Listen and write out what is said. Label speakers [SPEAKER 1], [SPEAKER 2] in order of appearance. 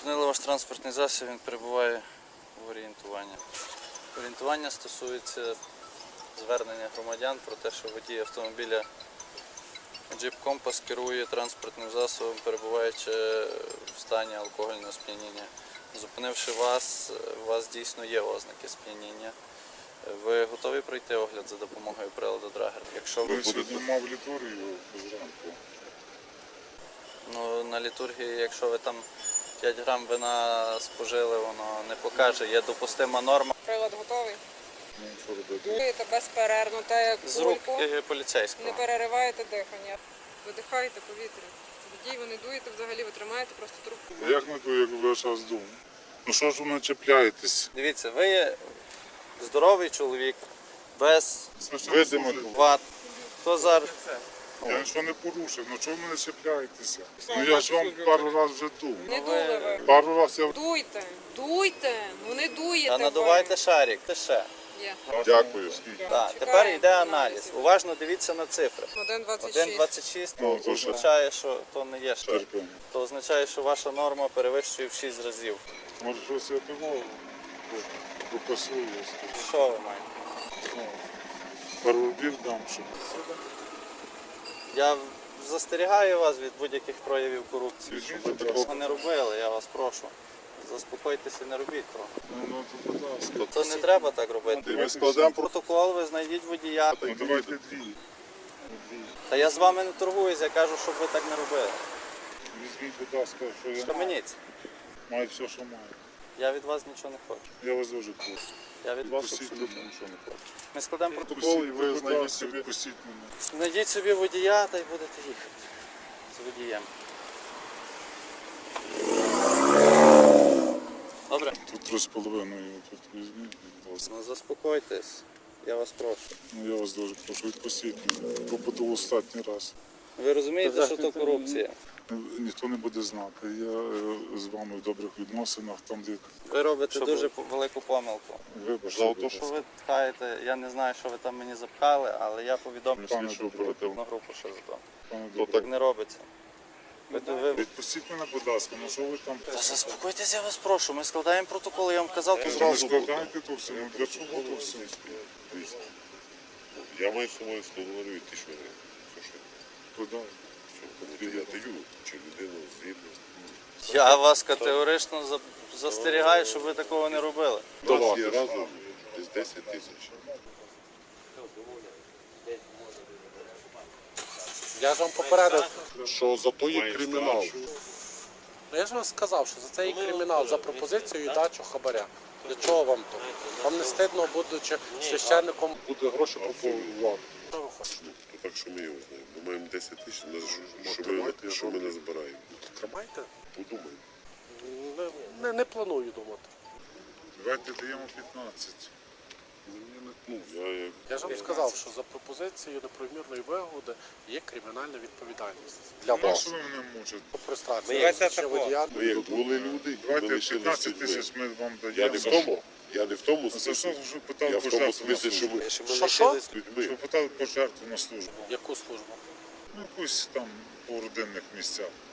[SPEAKER 1] Зупинили ваш транспортний засіб, він перебуває в орієнтуванні. Орієнтування стосується звернення громадян про те, що водій автомобіля Jeep Compass керує транспортним засобом, перебуваючи в стані алкогольного сп'яніння. Зупинивши вас, у вас дійсно є ознаки сп'яніння. Ви готові пройти огляд за допомогою приладу Драгер? Якщо ви
[SPEAKER 2] сьогодні мав літургію зранку.
[SPEAKER 1] Ну, на літургії, якщо ви там 5 грам вина спожили, воно не покаже, є допустима норма.
[SPEAKER 3] Прилад готовий?
[SPEAKER 2] Ну, що робити?
[SPEAKER 3] Дуєте безперервно, так як
[SPEAKER 1] З рук
[SPEAKER 3] кульку,
[SPEAKER 1] поліцейського.
[SPEAKER 3] не перериваєте дихання. Видихаєте повітря. Водій ви не дуєте взагалі, ви тримаєте просто трубку.
[SPEAKER 2] Як не то, як ви зараз думаєте? Ну що ж ви начепляєтесь?
[SPEAKER 1] Дивіться, ви є здоровий чоловік, без
[SPEAKER 2] Видимо.
[SPEAKER 1] ват. Хто зараз?
[SPEAKER 2] Я нічого не порушив, ну чого ви не чіпляєтеся? Ну я ж вам пару разів вже дув.
[SPEAKER 3] Не дули ви.
[SPEAKER 2] Пару разів я...
[SPEAKER 3] Дуйте, дуйте, ну не дуєте
[SPEAKER 1] Та надувайте шарик, ти ще.
[SPEAKER 3] Є.
[SPEAKER 2] Дякую.
[SPEAKER 1] Так, тепер йде аналіз. Уважно дивіться на цифри.
[SPEAKER 3] 1,26.
[SPEAKER 1] 1,26
[SPEAKER 2] Ну,
[SPEAKER 1] то
[SPEAKER 2] то що?
[SPEAKER 1] означає, що то не є шар.
[SPEAKER 2] Терпимо.
[SPEAKER 1] То означає, що ваша норма перевищує в 6 разів.
[SPEAKER 2] Може щось я того попасую.
[SPEAKER 1] Що ви маєте?
[SPEAKER 2] Ну, пару рублів дам, щоб...
[SPEAKER 1] Я застерігаю вас від будь-яких проявів корупції,
[SPEAKER 2] Візьміть,
[SPEAKER 1] щоб ви
[SPEAKER 2] будь
[SPEAKER 1] такого
[SPEAKER 2] ласка.
[SPEAKER 1] не робили, я вас прошу. Заспокойтеся, не робіть того.
[SPEAKER 2] Ну, то будь ласка.
[SPEAKER 1] То не треба так робити.
[SPEAKER 2] Ми складемо
[SPEAKER 1] Протокол, ви знайдіть водія.
[SPEAKER 2] Ну давайте дві.
[SPEAKER 1] Та я з вами не торгуюсь, я кажу, щоб ви так не робили.
[SPEAKER 2] Візьміть, будь ласка, що я
[SPEAKER 1] Схаменіться.
[SPEAKER 2] маю все, що маю.
[SPEAKER 1] Я від вас нічого не хочу.
[SPEAKER 2] Я вас дуже прошу.
[SPEAKER 1] Я від вас
[SPEAKER 2] Відпустіть
[SPEAKER 1] абсолютно.
[SPEAKER 2] мене, нічого не хочу.
[SPEAKER 1] Ми складемо протокол.
[SPEAKER 2] Протокол, і ви знайдіть собі. Відпустіть мене.
[SPEAKER 1] Знайдіть собі водія та й будете їхати з водієм. Добре?
[SPEAKER 2] Тут 3,5, тут візьміть, будь ласка.
[SPEAKER 1] Ну заспокойтесь, я вас прошу.
[SPEAKER 2] Ну я вас дуже прошу, відпустіть мене. Попаду останній раз.
[SPEAKER 1] Ви розумієте, що то корупція?
[SPEAKER 2] Ніхто не буде знати. Я з вами в добрих відносинах, там де
[SPEAKER 1] Ви робите дуже велику помилку.
[SPEAKER 2] вибачте.
[SPEAKER 1] За те, що ви пхаєте, я не знаю, що ви там мені запхали, але я повідомлю
[SPEAKER 2] Пане
[SPEAKER 1] слідчу оперативну групу ще за то.
[SPEAKER 2] То
[SPEAKER 1] Так не робиться. Ви...
[SPEAKER 2] Відпустіть мене, будь ласка, ну що ви там?
[SPEAKER 1] Та заспокойтесь, я вас прошу. Ми складаємо протокол, я вам казав, то
[SPEAKER 2] Ви
[SPEAKER 1] зразу.
[SPEAKER 2] складаєте то все, ну для чого то все?
[SPEAKER 4] Я маю з собою говорю, і ти що не?
[SPEAKER 2] Куди?
[SPEAKER 4] Я даю, чи людину згідно.
[SPEAKER 1] Я вас категорично застерігаю, щоб ви такого не робили.
[SPEAKER 4] У нас є разом десь 10 тисяч.
[SPEAKER 5] Я ж вам попередив.
[SPEAKER 4] Що за то є кримінал.
[SPEAKER 5] Ну, я ж вам сказав, що за це є кримінал, за пропозицію і дачу хабаря. Для чого вам то? Вам не стидно, будучи священником, буде гроші пропонувати. Що ви хочете?
[SPEAKER 4] То так, що ми його знаємо. Ми маємо 10 тисяч, що ми не збираємо.
[SPEAKER 5] Тримайте?
[SPEAKER 4] Подумаємо.
[SPEAKER 5] Не планую думати.
[SPEAKER 2] Давайте даємо 15.
[SPEAKER 5] Я ж вам сказав, що за пропозицією неправомірної вигоди є кримінальна відповідальність. Для
[SPEAKER 2] Ну,
[SPEAKER 5] вас.
[SPEAKER 2] що ви мене мучите?
[SPEAKER 5] Прострація. водія.
[SPEAKER 4] Ми як були люди, ми
[SPEAKER 2] Давайте
[SPEAKER 4] лишились
[SPEAKER 2] 15
[SPEAKER 4] людьми.
[SPEAKER 2] тисяч ми вам
[SPEAKER 4] Я
[SPEAKER 2] даємо.
[SPEAKER 4] не в тому
[SPEAKER 2] За що
[SPEAKER 4] смислі.
[SPEAKER 2] ви питали
[SPEAKER 4] Я в тому
[SPEAKER 2] пожертву на
[SPEAKER 4] смислі, що
[SPEAKER 2] службу?
[SPEAKER 4] ми
[SPEAKER 5] Що?
[SPEAKER 4] з людьми.
[SPEAKER 2] Що питали пожертву на службу?
[SPEAKER 5] Яку службу?
[SPEAKER 2] Ну, якусь там по родинних місцях.